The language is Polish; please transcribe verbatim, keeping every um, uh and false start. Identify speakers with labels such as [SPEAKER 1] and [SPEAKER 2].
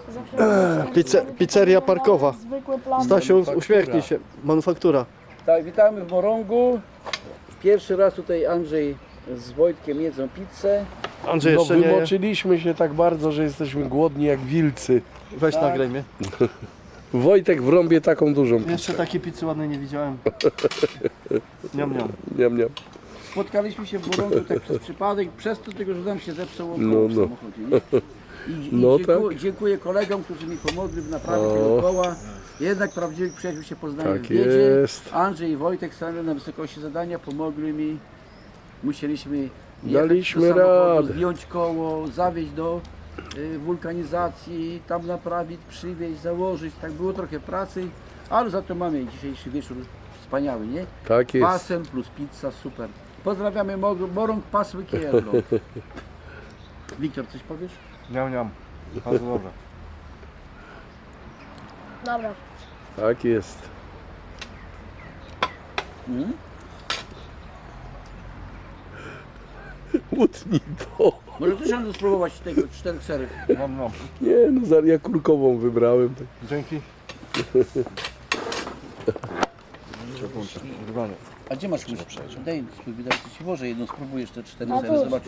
[SPEAKER 1] Pizze, pizzeria parkowa. Stasiu, uśmiechnij się. Manufaktura.
[SPEAKER 2] Tak, witamy w Morągu. Pierwszy raz tutaj Andrzej z Wojtkiem jedzą pizzę.
[SPEAKER 1] Andrzej
[SPEAKER 3] No
[SPEAKER 1] jeszcze nie je.
[SPEAKER 3] wymoczyliśmy się tak bardzo, że jesteśmy głodni jak wilcy.
[SPEAKER 1] Weź nagraj mnie.
[SPEAKER 3] Wojtek wrąbie taką dużą pizzę.
[SPEAKER 1] Jeszcze takiej pizzy ładnej nie widziałem. Niam, niam.
[SPEAKER 3] Niam, niam.
[SPEAKER 2] Spotkaliśmy się w Morągu tak przez przypadek, przez to tylko, że nam się zepsuło
[SPEAKER 3] No,
[SPEAKER 2] koło w
[SPEAKER 3] no.
[SPEAKER 2] samochodzie. Nie? I, i
[SPEAKER 3] No
[SPEAKER 2] dziękuję,
[SPEAKER 3] tak.
[SPEAKER 2] dziękuję kolegom, którzy mi pomogli w naprawie
[SPEAKER 3] O.
[SPEAKER 2] tego koła. Jednak prawdziwych przyjaciół się poznaje
[SPEAKER 3] Tak
[SPEAKER 2] w biedzie.
[SPEAKER 3] jest.
[SPEAKER 2] Andrzej i Wojtek stanęli na wysokości zadania, pomogli mi. Musieliśmy jechać
[SPEAKER 3] Daliśmy
[SPEAKER 2] do samochodu,
[SPEAKER 3] radę.
[SPEAKER 2] zdjąć koło, zawieźć do y, wulkanizacji, tam naprawić, przywieźć, założyć. Tak było trochę pracy, ale za to mamy dzisiejszy wieczór wspaniały, nie?
[SPEAKER 3] Tak jest.
[SPEAKER 2] Pasem plus pizza, super. Pozdrawiamy Mor- Morąg, Pasły, Kierlo. Wiktor, coś powiesz?
[SPEAKER 1] Niam, niam. Bardzo dobrze.
[SPEAKER 4] Dobra.
[SPEAKER 3] Tak jest.
[SPEAKER 2] Mm?
[SPEAKER 3] Łutnij to.
[SPEAKER 2] Może też będę spróbować tego czterech serów.
[SPEAKER 1] Niam, niam.
[SPEAKER 3] Nie no, za- ja kurkową wybrałem.
[SPEAKER 1] Dzięki.
[SPEAKER 2] A gdzie masz łyżkę? Daj, spróbuj, daj ci włożę jedną, spróbujesz te cztery
[SPEAKER 4] A
[SPEAKER 2] sery,
[SPEAKER 4] tu.
[SPEAKER 2] zobacz.